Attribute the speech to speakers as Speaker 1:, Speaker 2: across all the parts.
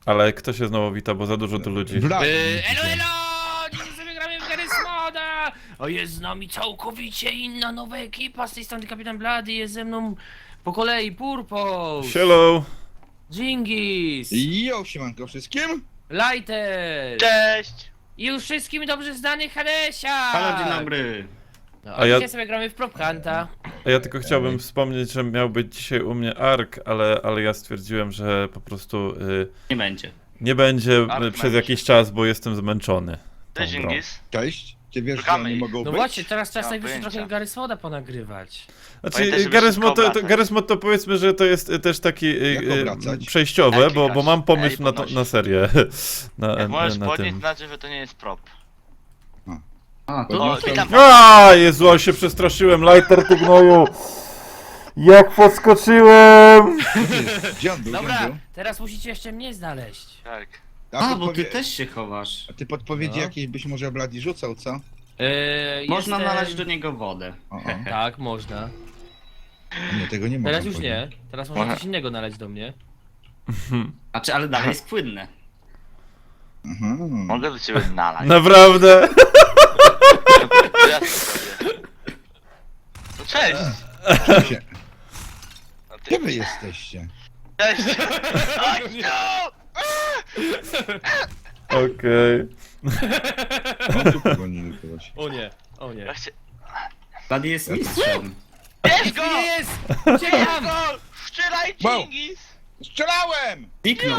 Speaker 1: Ale kto się znowu wita, bo za dużo tu ludzi.
Speaker 2: Elo, elo! Dzisiaj sobie gramy w Garry's Moda! O, jest z nami całkowicie inna nowa ekipa, z tej strony Kapitan Blady, jest ze mną po kolei Purpose,
Speaker 1: Hello!
Speaker 2: Dżingis,
Speaker 3: Jo, siemanko wszystkim!
Speaker 2: Lighter
Speaker 4: Cześć!
Speaker 2: i już wszystkim dobrze znany Hadesia!
Speaker 5: Halo, dzień dobry.
Speaker 2: No,
Speaker 1: A
Speaker 2: a
Speaker 1: ja-
Speaker 2: dzisiaj sobie gramy w Prop Hunta.
Speaker 1: A ja tylko chciałbym wspomnieć, że miał być dzisiaj u mnie Ark, ale ja stwierdziłem, że po prostu
Speaker 5: Nie będzie.
Speaker 1: nie będzie
Speaker 4: Ark
Speaker 1: przez
Speaker 4: będzie.
Speaker 1: jakiś czas, bo jestem zmęczony. tą
Speaker 4: Cześć
Speaker 1: grą.
Speaker 4: Ingis.
Speaker 3: Cześć! Ty wiesz, że
Speaker 4: Szukamy
Speaker 3: oni
Speaker 4: ich.
Speaker 3: mogą
Speaker 2: No
Speaker 3: być?
Speaker 2: właśnie, teraz czas
Speaker 4: Nie mam
Speaker 2: najwyższy
Speaker 4: pojęcia.
Speaker 2: trochę Garry's Moda ponagrywać.
Speaker 1: Znaczy,
Speaker 4: Pamiętaj, żeby wszystko obracać.
Speaker 1: Garry's Mod to powiedzmy, że to jest też taki
Speaker 3: Jak obracać?
Speaker 1: przejściowe,
Speaker 4: Jak
Speaker 1: bo
Speaker 4: klikasz?
Speaker 1: mam pomysł
Speaker 4: Ej,
Speaker 1: na,
Speaker 4: podnoś.
Speaker 1: na serię.
Speaker 4: Jak możesz
Speaker 1: na
Speaker 4: podnieść,
Speaker 1: tym.
Speaker 4: znaczy, że to nie jest prop.
Speaker 5: A, to
Speaker 3: No,
Speaker 4: O, witam.
Speaker 1: A, Jezu, ale się przestraszyłem, Lighter, ty gnoju! Jak podskoczyłem!
Speaker 3: Gdzie on był?
Speaker 2: Dobra, teraz musicie jeszcze mnie znaleźć.
Speaker 4: Tak.
Speaker 5: A, bo ty też się chowasz.
Speaker 3: A ty podpowiedzi
Speaker 2: No.
Speaker 3: jakieś byś może Bladi rzucał, co?
Speaker 5: Można
Speaker 2: jestem-
Speaker 5: nalać do niego wodę.
Speaker 3: O, o.
Speaker 2: Tak, można.
Speaker 3: Nie, tego nie mogę
Speaker 2: Teraz już nie. Teraz można
Speaker 4: Może-
Speaker 2: coś innego nalać do mnie.
Speaker 5: Znaczy, ale dalej jest płynne.
Speaker 4: Mogę do ciebie nalać.
Speaker 1: Naprawdę?
Speaker 4: To ja to zrobię. No cześć! No
Speaker 3: Gdzie wy
Speaker 4: ty...
Speaker 3: jesteście?
Speaker 4: Cześć! Chodź tu!
Speaker 1: Okej.
Speaker 3: O, tu pogonili kogoś.
Speaker 2: O nie, o nie.
Speaker 4: Ja chcę...
Speaker 5: Blady jest mistrzem.
Speaker 4: Bierz go!
Speaker 2: Jest!
Speaker 4: Bierz
Speaker 2: Uciekam!
Speaker 4: go! Strzelaj,
Speaker 3: Wow.
Speaker 4: Dżingis!
Speaker 3: Strzelałem!
Speaker 5: Zniknął.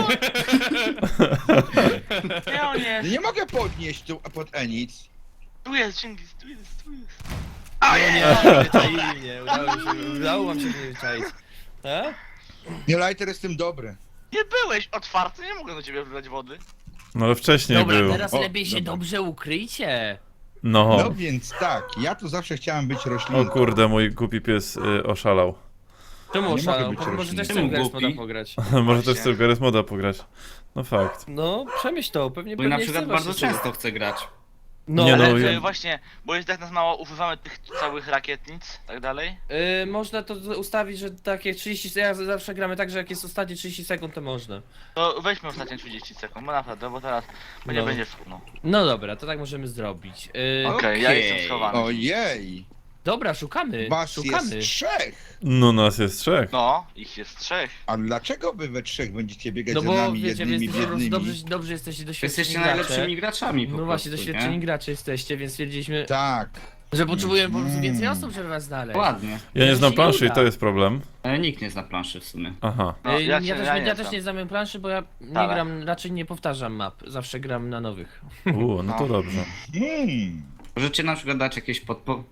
Speaker 4: Nie, on jest!
Speaker 3: Nie mogę podnieść tu pod Enic.
Speaker 4: Tu jest Dżingis, tu jest, tu jest.
Speaker 2: O nie, wyczaili mnie, udało wam się mnie wyczaić. E?
Speaker 3: Nie, Lighter jestem dobry.
Speaker 4: Nie byłeś otwarty, nie mogę do ciebie wlać wody.
Speaker 1: No ale wcześniej
Speaker 2: Dobra,
Speaker 1: był.
Speaker 2: teraz
Speaker 3: O,
Speaker 2: lepiej się
Speaker 3: dobra.
Speaker 2: dobrze ukryjcie.
Speaker 1: No.
Speaker 3: No więc tak, ja tu zawsze chciałem być
Speaker 1: O
Speaker 3: roślinką.
Speaker 1: kurde, mój głupi pies oszalał.
Speaker 2: Czemu
Speaker 3: Nie mogę
Speaker 2: oszalał?
Speaker 3: być
Speaker 2: Może
Speaker 3: roślinką.
Speaker 2: też
Speaker 5: Czemu
Speaker 2: chcę Garry's
Speaker 5: głupi?
Speaker 2: Moda pograć.
Speaker 1: Może też chcę w Garry's Moda pograć. No fakt.
Speaker 2: No, przemyśl to, pewnie
Speaker 5: Bo na
Speaker 2: pewnie
Speaker 5: przykład
Speaker 2: chce
Speaker 5: bardzo
Speaker 2: właśnie
Speaker 5: często chce grać.
Speaker 2: No,
Speaker 1: Nie, no,
Speaker 2: ale,
Speaker 1: ja-
Speaker 4: Właśnie, bo jest tak nas mało, używamy tych całych rakietnic, tak dalej.
Speaker 2: można to ustawić, że takie 30 sekund, ja zawsze gramy tak, że jak jest ostatnie 30 sekund, to można.
Speaker 4: To weźmy ostatnie 30 sekund, bo naprawdę, bo teraz nie
Speaker 2: No.
Speaker 4: będzie szumno.
Speaker 2: No dobra, to tak możemy zrobić.
Speaker 4: Okej, ja
Speaker 5: Okej.
Speaker 4: jestem schowany.
Speaker 3: Ojej!
Speaker 2: Dobra, szukamy,
Speaker 3: Was
Speaker 2: szukamy.
Speaker 3: jest trzech!
Speaker 1: No nas jest trzech.
Speaker 4: No, ich jest trzech.
Speaker 3: A dlaczego wy we trzech będziecie biegać
Speaker 2: No
Speaker 3: za
Speaker 2: bo
Speaker 3: nami
Speaker 2: wiecie, wy
Speaker 3: jednymi
Speaker 2: jesteście po prostu
Speaker 3: biednymi?
Speaker 2: dobrze jesteście doświadczeni
Speaker 5: Jesteście
Speaker 2: gracze.
Speaker 5: najlepszymi graczami po
Speaker 2: No
Speaker 5: prostu,
Speaker 2: właśnie, doświadczeni
Speaker 5: nie?
Speaker 2: gracze jesteście, więc stwierdziliśmy,
Speaker 3: Tak.
Speaker 2: że potrzebujemy po prostu więcej osób, żeby was znaleźć.
Speaker 5: Ładnie.
Speaker 1: Ja nie
Speaker 2: To
Speaker 1: znam
Speaker 2: się
Speaker 1: planszy i
Speaker 2: uda.
Speaker 1: to jest problem.
Speaker 5: Nikt nie zna planszy w sumie.
Speaker 1: Aha.
Speaker 4: No,
Speaker 2: ja,
Speaker 4: się-
Speaker 2: też,
Speaker 4: znam.
Speaker 2: nie znam planszy, bo ja nie
Speaker 4: Wcale.
Speaker 2: gram, raczej nie powtarzam map, zawsze gram na nowych.
Speaker 1: No to
Speaker 4: No.
Speaker 1: dobrze.
Speaker 5: Możecie na przykład dać jakieś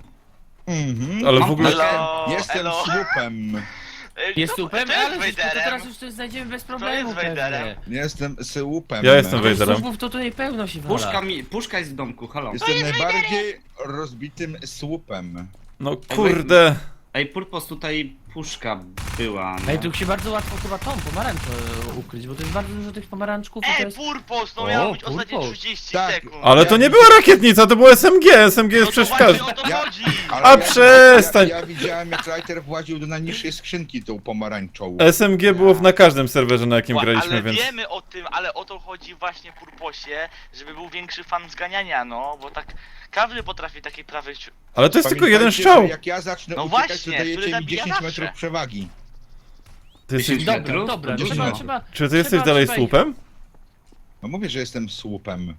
Speaker 1: Ale w
Speaker 5: Mam
Speaker 1: ogóle...
Speaker 4: Elo,
Speaker 3: Jestem
Speaker 4: elo.
Speaker 3: słupem.
Speaker 2: Jest
Speaker 4: Kto-
Speaker 2: super,
Speaker 4: kto jest
Speaker 2: ale to
Speaker 4: Vaderem?
Speaker 2: teraz już to znajdziemy bez problemu
Speaker 4: jest Vaderem?
Speaker 2: pewnie.
Speaker 3: Jestem słupem.
Speaker 1: Ja jestem
Speaker 2: Tych
Speaker 1: Vaderem.
Speaker 2: słupów to tutaj pełno się wala.
Speaker 5: Puszka jest w domku, halo.
Speaker 3: Jestem najbardziej rozbitym słupem.
Speaker 1: No kurde.
Speaker 5: Ej, Purpos, tutaj puszka była,
Speaker 2: Ej,
Speaker 5: no.
Speaker 2: tu się bardzo łatwo chyba tą pomarańczę ukryć, bo to jest bardzo dużo tych pomarańczków i to
Speaker 4: Ej,
Speaker 2: jest...
Speaker 4: Purpos, no
Speaker 2: O,
Speaker 4: miało być ostatnie
Speaker 2: Purpos.
Speaker 4: 30
Speaker 3: Tak.
Speaker 4: sekund.
Speaker 1: Ale to nie była rakietnica, to było SMG. SMG jest
Speaker 4: No to
Speaker 1: przecież w
Speaker 4: właśnie
Speaker 1: każdym...
Speaker 4: o to chodzi.
Speaker 3: Ale
Speaker 1: A przestań!
Speaker 3: Ja widziałem, jak Lighter właził do najniższej skrzynki tą pomarańczą.
Speaker 1: SMG było na każdym serwerze, na jakim graliśmy,
Speaker 4: Ale
Speaker 1: więc...
Speaker 4: wiemy o tym, ale o to chodzi właśnie Purposie, żeby był większy fan zganiania, no, bo tak każdy potrafi takie prawy...
Speaker 1: Ale to jest tylko jeden
Speaker 3: Pamiętajcie,
Speaker 1: strzał.
Speaker 3: że Jak ja zacznę
Speaker 4: No
Speaker 3: uciekać,
Speaker 4: właśnie,
Speaker 3: to
Speaker 4: który
Speaker 3: dajecie mi
Speaker 4: zabija
Speaker 3: 10
Speaker 4: zawsze.
Speaker 3: metrów przewagi.
Speaker 1: Ty jesteś...
Speaker 5: 10
Speaker 2: Dobra,
Speaker 5: metrów?
Speaker 2: dobra,
Speaker 3: Gdzieś
Speaker 2: trzeba,
Speaker 3: tam.
Speaker 2: trzeba...
Speaker 1: Czy ty jesteś dalej
Speaker 2: trzeba ich-
Speaker 1: słupem?
Speaker 3: No mówię, że jestem słupem.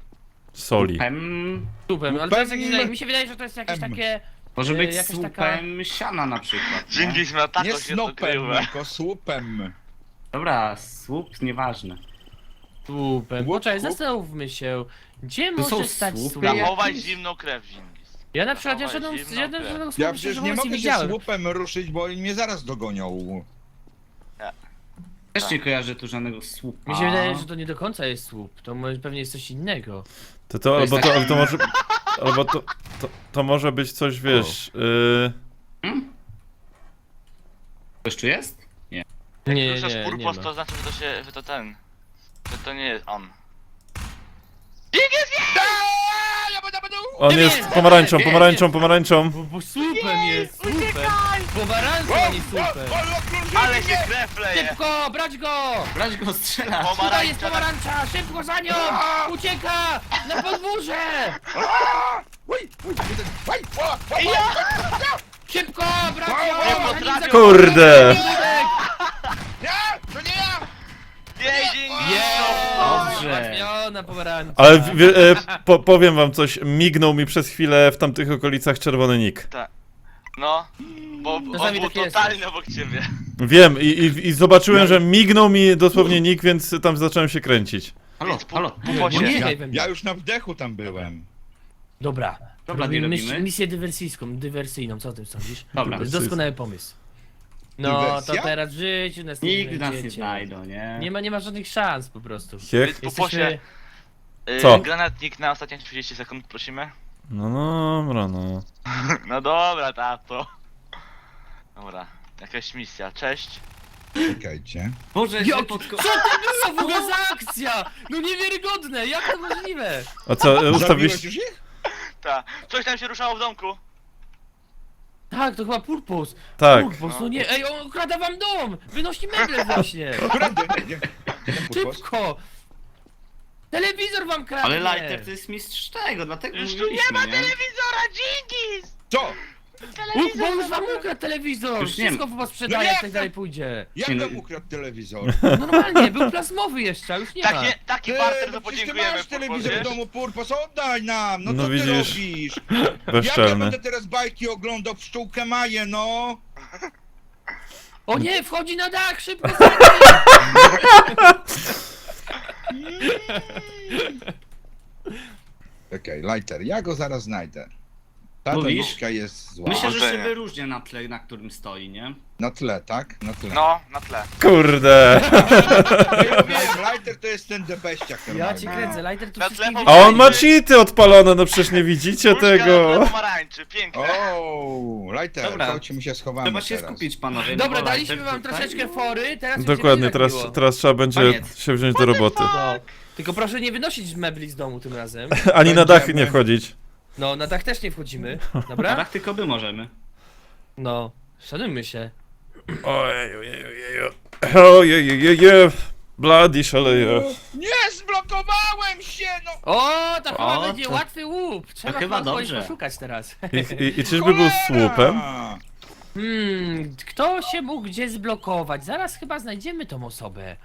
Speaker 1: Soli.
Speaker 2: Słupem, ale to jest jakieś,
Speaker 3: Słupem.
Speaker 2: mi się wydaje, że to jest jakieś
Speaker 3: M.
Speaker 2: takie...
Speaker 5: Może być
Speaker 2: jakaś
Speaker 5: słupem
Speaker 2: taka-
Speaker 5: siana na przykład, nie?
Speaker 4: Dżingis ma tako
Speaker 3: Nie
Speaker 4: się to
Speaker 3: snopem,
Speaker 4: krywe.
Speaker 3: tylko słupem.
Speaker 5: Dobra, słup, nieważne.
Speaker 2: Słupem.
Speaker 3: Łup,
Speaker 2: Poczekaj,
Speaker 3: łup.
Speaker 2: zastanówmy się. Gdzie
Speaker 5: To są
Speaker 2: może stać
Speaker 5: słupy?
Speaker 2: słup?
Speaker 4: Zachować
Speaker 5: Jakiś-
Speaker 4: zimną krew, Dżingis.
Speaker 2: Ja na przykład
Speaker 4: Zachować
Speaker 2: żadną
Speaker 4: zimną krew.
Speaker 2: słupa
Speaker 3: Ja
Speaker 2: szczerze
Speaker 3: przecież nie
Speaker 2: mówiąc
Speaker 3: mogę się
Speaker 2: widziałem.
Speaker 3: słupem ruszyć, bo oni mnie zaraz dogonią.
Speaker 5: Też nie kojarzę tu żadnego słupa.
Speaker 2: Mi się wydaje, że to nie do końca jest słup, to pewnie jest coś innego.
Speaker 1: To
Speaker 5: jest
Speaker 1: albo
Speaker 5: tak-
Speaker 1: to może... Albo to może być coś, wiesz...
Speaker 5: Ktoś tu jest? Nie.
Speaker 4: Jak
Speaker 2: Nie,
Speaker 4: ruszasz
Speaker 2: nie
Speaker 4: Purpos,
Speaker 2: ma.
Speaker 4: to znaczy, że to ten. Że to nie jest on.
Speaker 1: On
Speaker 2: Nie
Speaker 1: jest
Speaker 2: wiem,
Speaker 1: pomarańczą,
Speaker 2: nie,
Speaker 1: pomarańczą,
Speaker 2: nie.
Speaker 1: pomarańczą.
Speaker 2: Bo słupem jest, słupem. Pomarańcza, a nie słupem.
Speaker 4: Ale się krew leje!
Speaker 2: Szybko, brać go!
Speaker 5: Brać go, strzelać!
Speaker 2: Tutaj jest
Speaker 4: Pomarańcza!
Speaker 2: pomarańcza, szybko za nią! Ucieka! Na podwórze! Szybko, brać
Speaker 4: Nie
Speaker 2: ją!
Speaker 4: potrafię-
Speaker 1: Kurde!
Speaker 3: Nie, to nie ja!
Speaker 4: Jej, dzięki!
Speaker 5: Dobrze.
Speaker 2: Załatwiona pomarańcza.
Speaker 1: Ale powiem wam coś, mignął mi przez chwilę w tamtych okolicach czerwony nick.
Speaker 4: No, bo on
Speaker 2: Czasami
Speaker 4: był
Speaker 2: tak jest.
Speaker 4: totalnie obok ciebie.
Speaker 1: Wiem i zobaczyłem, że mignął mi dosłownie nick, więc tam zacząłem się kręcić.
Speaker 5: Halo,
Speaker 4: Więc
Speaker 5: halo.
Speaker 4: Puposie.
Speaker 2: Nie,
Speaker 3: Ja,
Speaker 2: nie we mnie.
Speaker 3: ja już na wdechu tam byłem.
Speaker 2: Dobra.
Speaker 5: Dobra, nie robimy.
Speaker 2: Misję dywersyjną, co o tym sądzisz?
Speaker 5: Dobra.
Speaker 2: To jest doskonały pomysł. No,
Speaker 3: Dywersja?
Speaker 2: to teraz w życiu nas nie
Speaker 5: Nigdy nas nie
Speaker 2: znajdziecie.
Speaker 5: znajdą, nie?
Speaker 2: Nie ma żadnych szans po prostu.
Speaker 1: Hiech?
Speaker 4: Więc Puposie,
Speaker 1: Co?
Speaker 4: granatnik na ostatnie 30 sekund, prosimy.
Speaker 1: No dobra, no.
Speaker 4: No dobra, tato. Dobra, jakaś misja, cześć.
Speaker 3: Czekajcie.
Speaker 5: Boże,
Speaker 2: Jak,
Speaker 5: że
Speaker 2: co
Speaker 5: podko...
Speaker 2: to było w ogóle za akcja? No niewiarygodne, jak to możliwe?
Speaker 1: A co,
Speaker 3: Zabiłeś
Speaker 1: ustawiliście?
Speaker 3: już ich?
Speaker 4: Ta. Coś tam się ruszało w domku.
Speaker 2: Tak, to chyba Purpos.
Speaker 1: Tak.
Speaker 2: Purpos, no nie, ej, on okrada wam dom! Wynosi meble właśnie!
Speaker 3: Którędy? Nie. Purpos?
Speaker 2: Szybko! Telewizor wam kradnie!
Speaker 5: Ale Lighter to jest mistrz tego, dlatego
Speaker 4: Już tu
Speaker 5: mówiliśmy,
Speaker 4: nie ma
Speaker 5: nie?
Speaker 4: telewizora, dzięki!
Speaker 3: Co?
Speaker 2: Bo już wam ukradł telewizor!
Speaker 5: Już nie
Speaker 2: Wszystko was sprzedaje,
Speaker 3: No
Speaker 2: jak
Speaker 3: jak
Speaker 2: tak dalej pójdzie.
Speaker 3: Jak
Speaker 5: Nie, no-
Speaker 3: tam ukradł telewizor?
Speaker 2: Normalnie, był plazmowy jeszcze, a już nie ma.
Speaker 4: Taki
Speaker 3: Ty,
Speaker 4: barter,
Speaker 3: no
Speaker 4: to
Speaker 3: przecież ty
Speaker 4: podziękujemy,
Speaker 3: masz telewizor w
Speaker 4: Purposie.
Speaker 3: domu, Purpos, oddaj nam! No
Speaker 1: No
Speaker 3: co ty
Speaker 1: widzisz.
Speaker 3: robisz? Jak ja
Speaker 1: Bezczelny.
Speaker 3: będę teraz bajki oglądał w pszczółkę Maję, no?
Speaker 2: O nie, wchodzi na dach, szybko!
Speaker 3: Okej, Lighter, ja go zaraz znajdę. Ta
Speaker 5: Mówisz?
Speaker 3: tabliczka jest zła.
Speaker 5: Myślę, że się
Speaker 4: Powodzenia.
Speaker 5: wyróżnia na tle, na którym stoi, nie?
Speaker 3: Na tle, tak? Na tle.
Speaker 4: No, na tle.
Speaker 1: Kurde.
Speaker 3: Ja wiem, Lighter to jest ten debeściak
Speaker 2: Ja
Speaker 3: normalny.
Speaker 2: cię kręcę, Lighter tu
Speaker 4: Na
Speaker 2: wszystkich
Speaker 4: tle
Speaker 1: A on ma cheaty odpalone, no przecież nie widzicie
Speaker 4: Puszka na tle
Speaker 1: tego.
Speaker 4: pomarańczy, piękne.
Speaker 3: O, Lighter,
Speaker 5: Dobra.
Speaker 3: chodźcie, my się schowamy
Speaker 5: Trzeba się
Speaker 3: teraz.
Speaker 5: skupić, panowie. no
Speaker 2: Dobra,
Speaker 5: bo
Speaker 2: daliśmy
Speaker 5: Lighter
Speaker 2: wam
Speaker 5: tutaj-
Speaker 2: troszeczkę fory, teraz już
Speaker 1: Dokładnie,
Speaker 2: się
Speaker 1: teraz,
Speaker 2: nie tak
Speaker 1: teraz trzeba będzie
Speaker 5: Koniec.
Speaker 1: się wziąć do roboty.
Speaker 2: No, tylko proszę nie wynosić mebli z domu tym razem.
Speaker 1: Ani na dach
Speaker 3: Będziemy.
Speaker 1: nie wchodzić.
Speaker 2: No, na dach też nie wchodzimy,
Speaker 5: Na
Speaker 2: dobra?
Speaker 5: dach tylko my możemy.
Speaker 2: No, szanujmy się.
Speaker 1: Ojej, ojej, ojej, ojej, Bloody szaleje.
Speaker 3: Nie, zblokowałem się, no!
Speaker 2: O, to chyba
Speaker 5: O,
Speaker 2: będzie
Speaker 5: to-
Speaker 2: łatwy łup. Trzeba
Speaker 5: chyba
Speaker 2: chyba kogoś
Speaker 5: dobrze.
Speaker 2: poszukać teraz.
Speaker 1: I czyżby był słupem?
Speaker 2: Kto się mógł gdzie zblokować? Zaraz chyba znajdziemy tą osobę.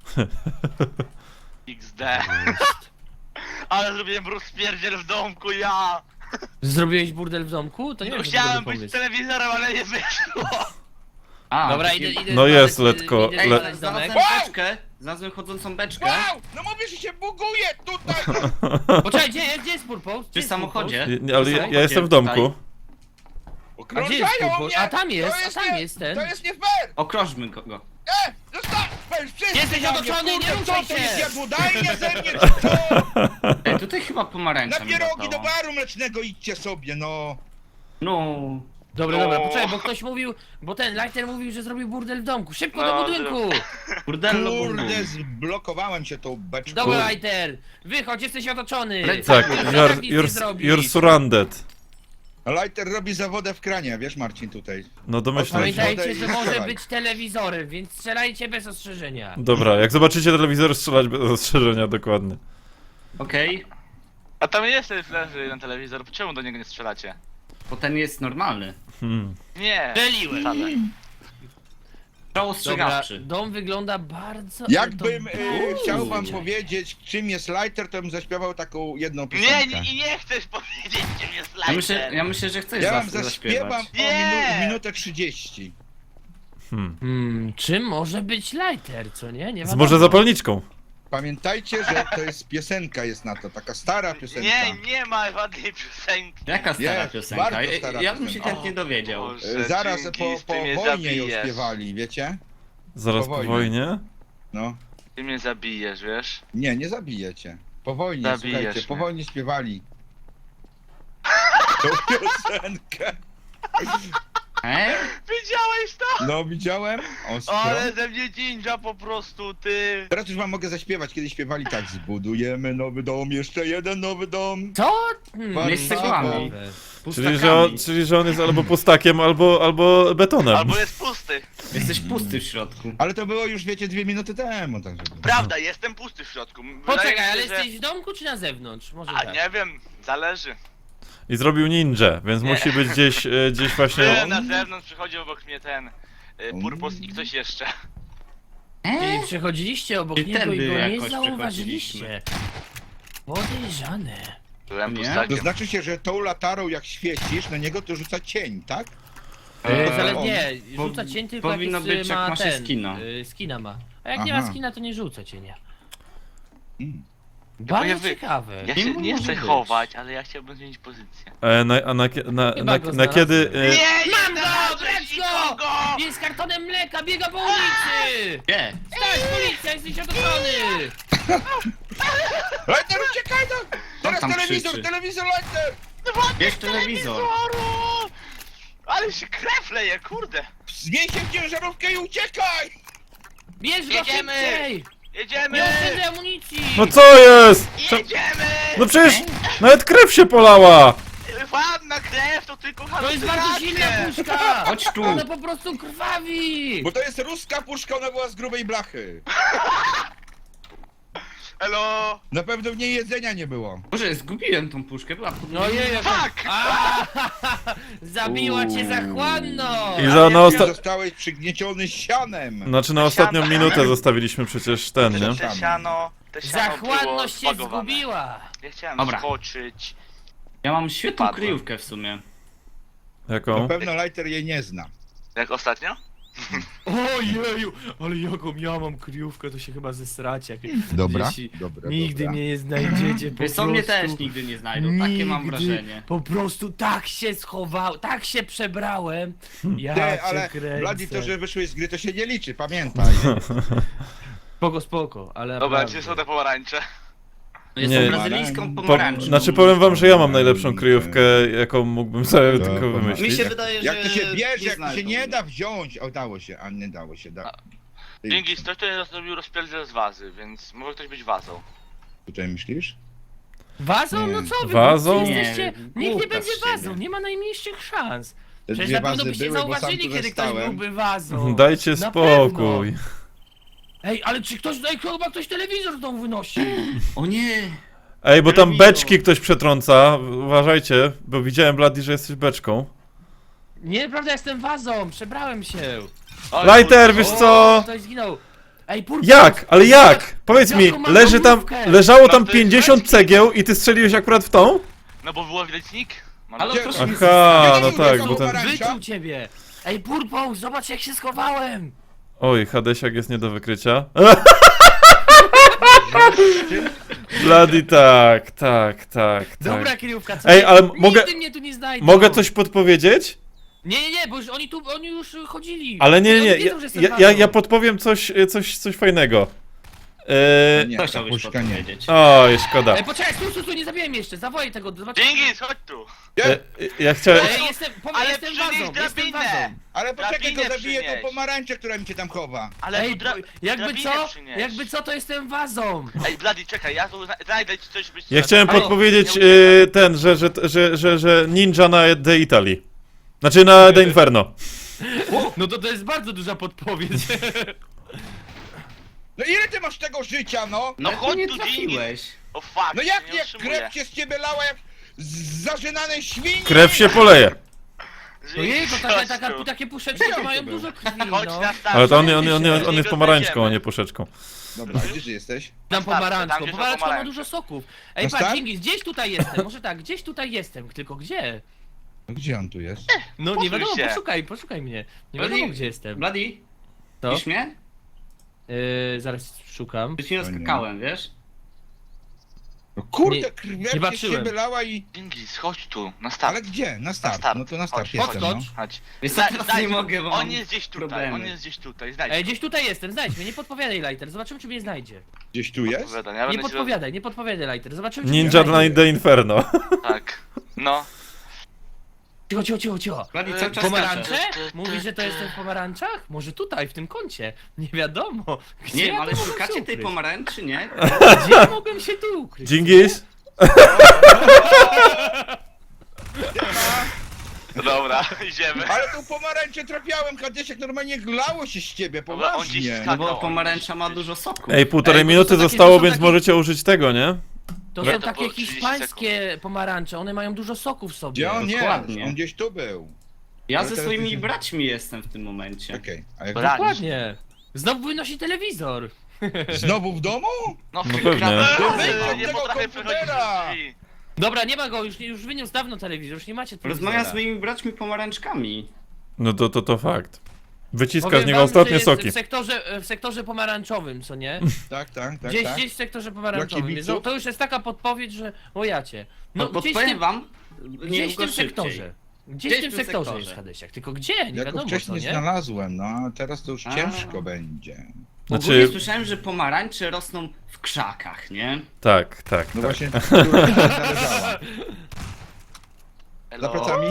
Speaker 4: XD. Ale zrobiłem rozpierdziel w domku, ja.
Speaker 2: Zrobiłeś burdel w domku? To nie
Speaker 4: No,
Speaker 2: wiem, czy to
Speaker 4: chciałem
Speaker 2: dobry
Speaker 4: być
Speaker 2: pomysł.
Speaker 4: telewizorem, ale nie wyszło.
Speaker 5: A,
Speaker 2: Dobra,
Speaker 5: taki-
Speaker 2: idę
Speaker 1: No jest,
Speaker 2: znaleźć-
Speaker 1: letko,
Speaker 2: idę
Speaker 5: Ej,
Speaker 1: le-
Speaker 2: znaleźć domek.
Speaker 5: znalazłem beczkę, znalazłem chodzącą beczkę.
Speaker 3: Wow! No mówię, że się buguje tutaj!
Speaker 2: Poczekaj, gdzie jest Purpose?
Speaker 5: Przy samochodzie.
Speaker 1: Ale ja jestem w domku.
Speaker 2: A gdzie jest
Speaker 3: Okrążają
Speaker 2: Purpose?
Speaker 3: mnie!
Speaker 2: A tam jest,
Speaker 3: To
Speaker 2: a tam
Speaker 3: nie-
Speaker 2: jest ten.
Speaker 3: To jest nie fair!
Speaker 5: Okrożmy go.
Speaker 3: Zostaw! Wszyscy
Speaker 2: Jesteś
Speaker 3: na mnie,
Speaker 2: otoczony,
Speaker 3: kurde,
Speaker 2: nie ruszaj
Speaker 3: co to
Speaker 2: się!
Speaker 3: jest jadłodajnia ze mnie, czy co?
Speaker 5: Ej, tutaj chyba pomarańcza
Speaker 3: Na
Speaker 5: mi
Speaker 3: pierogi do
Speaker 5: latało.
Speaker 3: baru mlecznego idźcie sobie, no!
Speaker 5: No.
Speaker 2: Dobra,
Speaker 4: No.
Speaker 2: dobra, poczekaj, bo ktoś mówił, bo ten Lighter mówił, że zrobił burdel w domku. Szybko do
Speaker 4: No,
Speaker 2: budynku!
Speaker 5: Burdello,
Speaker 3: Kurde, zblokowałem się tą beczką.
Speaker 2: Dobra, Lighter, wychodź, jesteś otoczony!
Speaker 1: Tak,
Speaker 2: Tak nic nie zrobisz.
Speaker 1: you're surrounded.
Speaker 3: Lighter robi zawodę w kranie, wiesz Marcin tutaj.
Speaker 1: No domyślam się.
Speaker 2: Pamiętajcie, że może
Speaker 3: Strzelaj.
Speaker 2: być telewizorem, więc strzelajcie bez ostrzeżenia.
Speaker 1: Dobra, jak zobaczycie telewizor, strzelać bez ostrzeżenia, dokładnie.
Speaker 5: Okej,
Speaker 4: A tam jest ten leży na telewizor, czemu do niego nie strzelacie?
Speaker 5: bo ten jest normalny.
Speaker 4: Nie.
Speaker 2: Strzeliłem.
Speaker 4: Wcale.
Speaker 5: Strzał
Speaker 2: Dobra,
Speaker 5: ostrzegawczy.
Speaker 2: dom wygląda bardzo...
Speaker 3: Jakbym
Speaker 2: ale to-
Speaker 3: chciał wam
Speaker 2: Uuu.
Speaker 3: powiedzieć, czym jest Lighter, to bym zaśpiewał taką jedną
Speaker 4: Nie,
Speaker 3: piosenkę.
Speaker 4: nie chcesz powiedzieć, czym jest
Speaker 5: Ja
Speaker 4: Lighter.
Speaker 5: myślę, że chcesz
Speaker 3: Ja wam
Speaker 5: zaśpiewać.
Speaker 3: zaśpiewam o
Speaker 4: Nie!
Speaker 3: minutę 30.
Speaker 2: Czym może być Lighter, co nie? Nie
Speaker 1: Z
Speaker 2: wiadomo.
Speaker 1: może zapalniczką.
Speaker 3: Pamiętajcie, że to jest piosenka jest na to, taka stara piosenka.
Speaker 4: Nie ma żadnej piosenki.
Speaker 5: Jaka stara
Speaker 3: Jest,
Speaker 5: piosenka?
Speaker 3: bardzo stara
Speaker 5: Ja bym się
Speaker 3: piosenka.
Speaker 5: chętnie dowiedział.
Speaker 4: Boże.
Speaker 3: Zaraz
Speaker 4: Dzięki,
Speaker 3: po
Speaker 4: ty mnie
Speaker 3: wojnie ją
Speaker 4: zabijesz.
Speaker 3: śpiewali, wiecie?
Speaker 1: Zaraz
Speaker 3: Po
Speaker 1: po
Speaker 3: wojnie.
Speaker 1: wojnie?
Speaker 3: No.
Speaker 4: Ty mnie zabijesz, wiesz?
Speaker 3: Nie zabijecie. Po wojnie,
Speaker 4: Zabijesz
Speaker 3: słuchajcie, po
Speaker 4: mnie.
Speaker 3: wojnie śpiewali. Tą piosenkę.
Speaker 4: Widziałeś to?
Speaker 3: No widziałem. Ostro.
Speaker 4: Ale ze mnie ninja po prostu, ty.
Speaker 3: Teraz już wam mogę zaśpiewać, kiedy śpiewali tak. Zbudujemy nowy dom, jeszcze jeden nowy dom.
Speaker 2: Co?
Speaker 3: Pan
Speaker 5: Nie z cegłami.
Speaker 1: Czyli, że on jest albo pustakiem, albo betonem.
Speaker 4: Albo jest pusty.
Speaker 5: Jesteś pusty w środku.
Speaker 3: Ale to było już, wiecie, 2 minuty temu, także...
Speaker 4: Prawda, jestem pusty w środku. Wydaje mi
Speaker 2: Poczekaj,
Speaker 4: się,
Speaker 2: ale
Speaker 4: że-
Speaker 2: jesteś w domku czy na zewnątrz? Może
Speaker 4: A
Speaker 2: tak.
Speaker 4: nie wiem, zależy.
Speaker 1: I zrobił ninja, więc
Speaker 4: Nie.
Speaker 1: musi być gdzieś właśnie...
Speaker 4: Byłem na zewnątrz, przychodzi obok mnie ten Purpos i ktoś jeszcze.
Speaker 2: Czyli przechodziliście obok
Speaker 5: I
Speaker 2: niego
Speaker 5: tędy
Speaker 2: i go nie
Speaker 5: jakoś
Speaker 2: zauważyliście. Podejrzane.
Speaker 4: Byłem
Speaker 5: Nie?
Speaker 3: To
Speaker 4: pustakiem.
Speaker 3: znaczy się, że tą latarą jak świecisz, na niego to rzuca cień, tak?
Speaker 2: Ale
Speaker 3: on-
Speaker 2: nie, rzuca cień tylko jak
Speaker 5: powinno
Speaker 2: jest,
Speaker 5: być, jak
Speaker 2: ma
Speaker 5: ma się
Speaker 2: ten,
Speaker 5: skina.
Speaker 2: skina ma. A jak nie
Speaker 3: Aha.
Speaker 2: ma skina, to nie rzuca cienia.
Speaker 3: Mm.
Speaker 2: Bardzo
Speaker 4: wy-
Speaker 2: ciekawe.
Speaker 4: Ja
Speaker 5: Nie
Speaker 4: się nie
Speaker 5: może
Speaker 4: chcę
Speaker 5: być.
Speaker 4: chować, ale ja chciałbym zmienić pozycję.
Speaker 1: Na kiedy...
Speaker 2: Mam go!
Speaker 4: znalazłeś
Speaker 2: Brać go!
Speaker 4: nikogo!
Speaker 2: Jest z kartonem mleka, biega po ulicy!
Speaker 5: Gdzie?
Speaker 2: Stać, policja, jesteś otoczony!
Speaker 3: Lighter, uciekaj no! Teraz
Speaker 5: tam
Speaker 3: telewizor,
Speaker 5: krzyczy?
Speaker 3: telewizor, Lighter!
Speaker 5: Bierz telewizor.
Speaker 4: Ale się krew leje, kurde!
Speaker 3: Zmień się w ciężarówkę i uciekaj!
Speaker 2: Bierz go
Speaker 4: Jedziemy!
Speaker 2: szybciej!
Speaker 4: Jedziemy!
Speaker 2: Nie oszczędzaj amunicji!
Speaker 1: No co jest?
Speaker 4: Jedziemy!
Speaker 1: No przecież nawet krew się polała!
Speaker 4: Ładna krew, to tylko
Speaker 2: To jest bardzo silna
Speaker 4: halucynacje!
Speaker 2: puszka!
Speaker 5: Chodź tu.
Speaker 2: Ona po prostu krwawi!
Speaker 3: Bo to jest ruska puszka, ona była z grubej blachy.
Speaker 4: Elo!
Speaker 3: Na pewno w niej jedzenia nie było.
Speaker 5: Boże, zgubiłem tą puszkę, była pod...
Speaker 2: No jej,
Speaker 4: Fuck!
Speaker 2: zabiła cię zachłanno!
Speaker 1: I za na osta...
Speaker 3: Zostałeś przygnieciony sianem.
Speaker 1: Znaczy na ostatnią minutę zostawiliśmy przecież ten, nie?
Speaker 4: Te siano było
Speaker 2: Zachłanność się
Speaker 4: zbagowane.
Speaker 2: zgubiła!
Speaker 4: Ja chciałem
Speaker 5: Dobra.
Speaker 4: skoczyć.
Speaker 5: Ja mam świetną
Speaker 4: Padłem.
Speaker 5: kryjówkę w sumie.
Speaker 3: Na
Speaker 1: Jaką?
Speaker 3: pewno Lighter jej nie zna.
Speaker 4: Jak ostatnio?
Speaker 2: Ojeju, ale jaką ja mam kryjówkę, to się chyba zesracie.
Speaker 3: Dobra,
Speaker 2: Jeśli
Speaker 3: dobra,
Speaker 2: nigdy
Speaker 3: dobra.
Speaker 2: mnie nie znajdziecie, po
Speaker 5: Wiesz co, mnie
Speaker 2: prostu.
Speaker 5: też nigdy nie znajdą, takie mam
Speaker 2: Nigdy.
Speaker 5: wrażenie.
Speaker 2: Po prostu tak się schowałem, tak się przebrałem. Ja
Speaker 3: Ty,
Speaker 2: cię
Speaker 3: ale
Speaker 2: kręcę.
Speaker 3: Bladi, to, że wyszłeś z gry, to się nie liczy, pamiętaj.
Speaker 2: Spoko, ale
Speaker 4: Dobra,
Speaker 2: naprawdę.
Speaker 4: gdzie są te pomarańcze?
Speaker 5: Jestem
Speaker 1: Nie.
Speaker 5: brazylijską
Speaker 3: Po-
Speaker 5: pomarańczą.
Speaker 1: Znaczy powiem wam, że ja mam najlepszą kryjówkę, jaką mógłbym sobie
Speaker 3: To
Speaker 1: tylko
Speaker 3: pomaga.
Speaker 5: Mi
Speaker 1: wymyślić.
Speaker 5: się wydaje, że
Speaker 3: Jak to się bierze, jak to się
Speaker 5: znajdą.
Speaker 3: nie da wziąć. O, dało się, a nie dało się.
Speaker 4: Dzięki, ktoś tutaj zrobił rozpierdziel z wazy, więc może ktoś być wazą.
Speaker 3: Tutaj myślisz?
Speaker 2: Wazą?
Speaker 3: Nie.
Speaker 2: No co wy?
Speaker 1: Wazą?
Speaker 2: Wszyscy jesteście...
Speaker 5: Nie,
Speaker 2: Nikt nie
Speaker 5: głupia
Speaker 2: będzie
Speaker 5: z ciebie.
Speaker 2: wazą, nie ma najmniejszych szans.
Speaker 3: Te
Speaker 2: Przecież
Speaker 3: dwie
Speaker 2: na pewno
Speaker 3: wazy
Speaker 2: byście
Speaker 3: były, bo sam
Speaker 2: zauważyli,
Speaker 3: tu
Speaker 2: kiedy ktoś
Speaker 3: zostałem.
Speaker 2: byłby wazą.
Speaker 1: Dajcie
Speaker 2: Na
Speaker 1: spokój.
Speaker 2: Ej, ale czy ktoś, chyba ktoś telewizor z domu wynosi?
Speaker 5: O nie!
Speaker 1: Ej, bo tam
Speaker 5: Telewizor.
Speaker 1: beczki ktoś przetrąca, uważajcie, bo widziałem Bloody, że jesteś beczką.
Speaker 2: Nie, prawda, jestem wazą, przebrałem się.
Speaker 1: Lighter, wiesz co?
Speaker 2: Ktoś zginął. Ej, Purpos!
Speaker 1: Jak? Ale jak? Powiedz mi,
Speaker 2: Jaką mam domówkę?
Speaker 1: leżało tam
Speaker 4: Prawda,
Speaker 1: 50
Speaker 4: jest
Speaker 1: cegieł i ty strzeliłeś akurat w tą?
Speaker 4: No bo było widać nick. Mam
Speaker 5: Ale
Speaker 3: Gdzie-
Speaker 5: proszę mi
Speaker 1: Aha,
Speaker 3: Gdzie
Speaker 1: no
Speaker 3: nie
Speaker 1: tak,
Speaker 3: było
Speaker 1: bo ten...
Speaker 3: pomarańcza?
Speaker 2: Wyczuł ciebie! Ej, Purpos, zobacz jak się schowałem!
Speaker 1: Oj, Hadesiak jest nie do wykrycia. Bloody, tak.
Speaker 2: Dobra kryjówka, co?
Speaker 1: Ej, ale
Speaker 2: Nigdy
Speaker 1: mogę-
Speaker 2: mnie tu nie znajdą!
Speaker 1: Mogę coś podpowiedzieć?
Speaker 2: Nie, bo już oni już chodzili.
Speaker 1: Ale nie,
Speaker 2: Oni
Speaker 1: nie,
Speaker 2: wiedzą, że jestem
Speaker 1: ja
Speaker 2: wazą.
Speaker 1: podpowiem coś fajnego.
Speaker 3: Nie,
Speaker 5: Co
Speaker 3: ta
Speaker 5: chciałbyś
Speaker 3: puszka nie.
Speaker 5: podpowiedzieć?
Speaker 1: Oj, szkoda.
Speaker 2: Ej, poczekaj, tu, nie zabiłem jeszcze, zawołaj tego, zobaczymy.
Speaker 4: Dzięki, chodź tu.
Speaker 1: Ja chciałem...
Speaker 2: Ej, jestem
Speaker 4: przynieś
Speaker 2: wazą, jestem
Speaker 4: drabinę.
Speaker 2: wazą.
Speaker 3: Ale poczekaj, to
Speaker 4: Drabinę
Speaker 3: zabiję tą
Speaker 4: przynieś.
Speaker 3: pomarańczę, która mi cię tam chowa.
Speaker 4: Ale
Speaker 2: Ej,
Speaker 4: tu
Speaker 2: jakby
Speaker 4: drabinę
Speaker 2: co,
Speaker 4: przynieś.
Speaker 2: to jestem wazą.
Speaker 4: Ej, Bloody, czekaj, ja tu znajdę ci coś, byś...
Speaker 1: Ja chciałem
Speaker 2: Halo,
Speaker 1: podpowiedzieć
Speaker 4: nie uciekaj.
Speaker 1: że ninja na The Italy. Znaczy na The Inferno.
Speaker 2: No to jest bardzo duża podpowiedź.
Speaker 3: No ile ty masz tego życia, no?
Speaker 4: No
Speaker 5: Ale
Speaker 4: chodź
Speaker 5: nie
Speaker 4: tu,
Speaker 5: trafiłeś.
Speaker 4: O fuck,
Speaker 3: No jak
Speaker 4: nie
Speaker 3: nie
Speaker 4: utrzymuję.
Speaker 3: krew się z ciebie lała jak z zażynanej świni?
Speaker 1: Krew się poleje.
Speaker 2: Ojej, to
Speaker 4: Chodź tu.
Speaker 2: takie puszeczki to mają dużo krwi,
Speaker 4: Chodź
Speaker 2: no.
Speaker 4: na start.
Speaker 1: Ale to on
Speaker 4: Niego
Speaker 1: jest pomarańczką, a
Speaker 4: znajdziemy.
Speaker 1: nie puszeczką.
Speaker 3: Dobra, gdzie ty jesteś?
Speaker 2: Dam
Speaker 4: Tam,
Speaker 2: pomarańczką,
Speaker 4: gdzie są
Speaker 2: pomarańczka ma
Speaker 4: pomarańcze.
Speaker 2: dużo soków. Ej,
Speaker 3: Na
Speaker 2: patrz,
Speaker 3: start?
Speaker 2: Dżingis, gdzieś tutaj jestem, może tak, gdzieś tutaj jestem, tylko gdzie?
Speaker 3: No gdzie on tu jest?
Speaker 2: No nie
Speaker 4: Posuń
Speaker 2: wiadomo,
Speaker 4: się.
Speaker 2: poszukaj mnie. Nie
Speaker 5: Bloody-
Speaker 2: wiadomo gdzie jestem.
Speaker 5: Bloody,
Speaker 2: To?
Speaker 5: widzisz mnie?
Speaker 2: Zaraz szukam.
Speaker 5: Przecież nie skakałem, wiesz?
Speaker 3: No kurde,
Speaker 2: Nie
Speaker 3: krew się z
Speaker 2: patrzyłem.
Speaker 3: ciebie lała i...
Speaker 4: Dzięki, chodź tu, na start.
Speaker 3: Ale gdzie? Na start.
Speaker 4: start.
Speaker 3: No to na start
Speaker 4: Chodź,
Speaker 3: jestem, no.
Speaker 2: podskocz.
Speaker 4: Chodź.
Speaker 5: Wiesz co, teraz nie mogę, bo
Speaker 4: On
Speaker 5: mam
Speaker 4: jest gdzieś tutaj,
Speaker 5: problemy.
Speaker 4: on jest gdzieś tutaj, znajdź.
Speaker 2: Ej, gdzieś tutaj jestem, znajdź mnie, nie podpowiadaj Lighter, zobaczymy czy mnie znajdzie.
Speaker 3: Gdzieś tu jest?
Speaker 4: Opowiadam, ja
Speaker 2: Nie
Speaker 4: będę ci
Speaker 2: podpowiadaj, nie podpowiadaj Lighter, zobaczymy czy
Speaker 1: Ninja
Speaker 2: mnie
Speaker 1: na
Speaker 2: znajdzie.
Speaker 1: The Inferno.
Speaker 4: Tak. No.
Speaker 2: Cicho.
Speaker 5: Blady cały czas
Speaker 2: Pomarańcze?
Speaker 5: skacze.
Speaker 2: Mówisz, że to jestem w pomarańczach? Może tutaj, w tym kącie. Nie wiadomo. Gdzie
Speaker 5: Nie
Speaker 2: ja
Speaker 5: wiem,
Speaker 2: tu
Speaker 5: ale
Speaker 2: mogłem się
Speaker 5: szukacie tej
Speaker 2: ukryć?
Speaker 5: pomarańczy, nie?
Speaker 2: Gdzie ja mogłem się tu ukryć?
Speaker 1: Dżingis?
Speaker 4: Dobra, idziemy.
Speaker 3: Ale tu pomarańcze trafiałem, Hadesiak, normalnie glało się z ciebie,
Speaker 4: Dobra, on gdzieś
Speaker 3: poważnie.
Speaker 4: skakał.
Speaker 5: No bo pomarańcza ma dużo soku.
Speaker 1: Ej, półtorej
Speaker 2: Ej, bo to
Speaker 1: minuty
Speaker 2: są takie-
Speaker 1: zostało,
Speaker 2: to są
Speaker 1: więc
Speaker 2: takie-
Speaker 1: możecie użyć tego, nie?
Speaker 2: To
Speaker 4: Nie,
Speaker 2: są
Speaker 4: to
Speaker 2: takie
Speaker 4: było 30
Speaker 2: hiszpańskie pomarańcze, one mają dużo soku w sobie.
Speaker 3: Gdzie on jest?
Speaker 5: Dokładnie.
Speaker 3: On gdzieś tu był.
Speaker 5: Ja
Speaker 3: Ale
Speaker 5: ze
Speaker 3: teraz
Speaker 5: swoimi
Speaker 3: widzimy.
Speaker 5: braćmi jestem w tym momencie.
Speaker 3: Okej, a jak
Speaker 4: Bra-
Speaker 2: Dokładnie. Znowu wynosi telewizor.
Speaker 3: znowu w domu?
Speaker 4: No,
Speaker 1: No pewnie.
Speaker 3: Wyjdź od
Speaker 4: nie
Speaker 3: tego
Speaker 4: potrafię
Speaker 3: komputera!
Speaker 4: przechodzić drzwi.
Speaker 2: Dobra, nie ma go, już wyniósł dawno telewizor, już nie macie telewizora.
Speaker 5: Rozmawiam z moimi braćmi pomarańczkami.
Speaker 1: No to fakt. Wyciska
Speaker 2: Powiem
Speaker 1: z niego
Speaker 2: wam,
Speaker 1: ostatnie
Speaker 2: że jest
Speaker 1: soki.
Speaker 2: w sektorze pomarańczowym, co nie?
Speaker 3: Tak, tak.
Speaker 2: Gdzieś w sektorze pomarańczowym.
Speaker 3: Dla
Speaker 2: Więc
Speaker 3: kibiców?
Speaker 2: to już jest taka podpowiedź, że ojacie.
Speaker 5: No
Speaker 2: No gdzieś w
Speaker 5: podpowiem
Speaker 2: tym,
Speaker 5: wam,
Speaker 2: gdzieś w
Speaker 5: niedługo
Speaker 2: tym
Speaker 5: szybciej.
Speaker 2: sektorze. Gdzieś w tym sektorze jest Hadesiak, tylko gdzie? Nie
Speaker 3: Ja go
Speaker 2: wiadomo co,
Speaker 3: wcześniej
Speaker 2: nie?
Speaker 3: znalazłem, no a teraz to już
Speaker 5: A.
Speaker 3: ciężko będzie.
Speaker 5: Ogólnie
Speaker 1: Znaczy,
Speaker 5: słyszałem, że pomarańcze rosną w krzakach, nie?
Speaker 1: tak.
Speaker 3: No właśnie, która się znaleźła. Za
Speaker 4: Hello?
Speaker 3: plecami?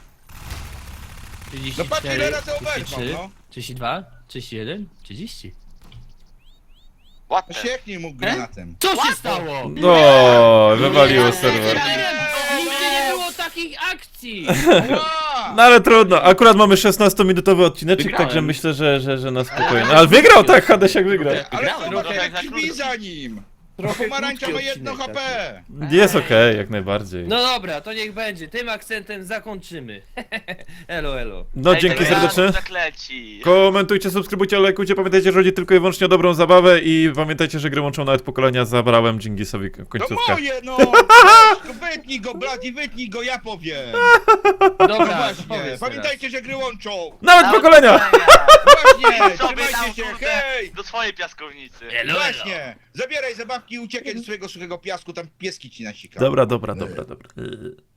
Speaker 2: 34,
Speaker 3: No patrz ile razy oberwał,
Speaker 2: 33,
Speaker 3: no.
Speaker 2: 32, 31, 30.
Speaker 4: What
Speaker 3: No
Speaker 4: the?
Speaker 3: sieknij mu granatem.
Speaker 2: Co się stało?
Speaker 1: No, wywaliło serwer.
Speaker 2: Nigdy nie było takich akcji!
Speaker 3: Ła!
Speaker 1: No ale trudno, akurat mamy 16-minutowy odcineczek,
Speaker 5: Wygrałem.
Speaker 1: także myślę, że na spokojnie. Ale wygrał, tak, Hadesiak wygrał.
Speaker 3: Ale
Speaker 5: Wygrałem,
Speaker 3: zobacz
Speaker 4: trochę
Speaker 3: jak
Speaker 4: za
Speaker 3: drzwi
Speaker 4: krótko.
Speaker 3: za nim!
Speaker 2: Trochę
Speaker 3: Pomarańcza ma
Speaker 2: krótki
Speaker 3: 1
Speaker 2: odcinek
Speaker 3: HP!
Speaker 1: Jest okej, jak najbardziej.
Speaker 2: No dobra, to niech będzie. Tym akcentem zakończymy. Elo.
Speaker 1: No
Speaker 4: Ej,
Speaker 1: dzięki
Speaker 4: tego
Speaker 1: serdecznie.
Speaker 4: Jaru zakleci.
Speaker 1: Komentujcie, subskrybujcie, lajkujcie, pamiętajcie, że chodzi tylko i wyłącznie o dobrą zabawę i pamiętajcie, że gry łączą nawet pokolenia, zabrałem Dżingisowi
Speaker 3: No
Speaker 1: końcówkę.
Speaker 3: moje no! Wytnij go, Blady, wytnij go, ja powiem!
Speaker 2: Dobra,
Speaker 3: Właśnie,
Speaker 2: powiedz
Speaker 3: pamiętajcie, że gry łączą!
Speaker 1: Nawet pokolenia!
Speaker 3: Właśnie,
Speaker 4: Sobie tam,
Speaker 3: trzymajcie się,
Speaker 4: kurde,
Speaker 3: hej!
Speaker 4: do swojej piaskownicy.
Speaker 2: Elo.
Speaker 3: Właśnie! Zabieraj zabawki i uciekaj do swojego suchego piasku, tam pieski ci nasikają.
Speaker 1: Dobra.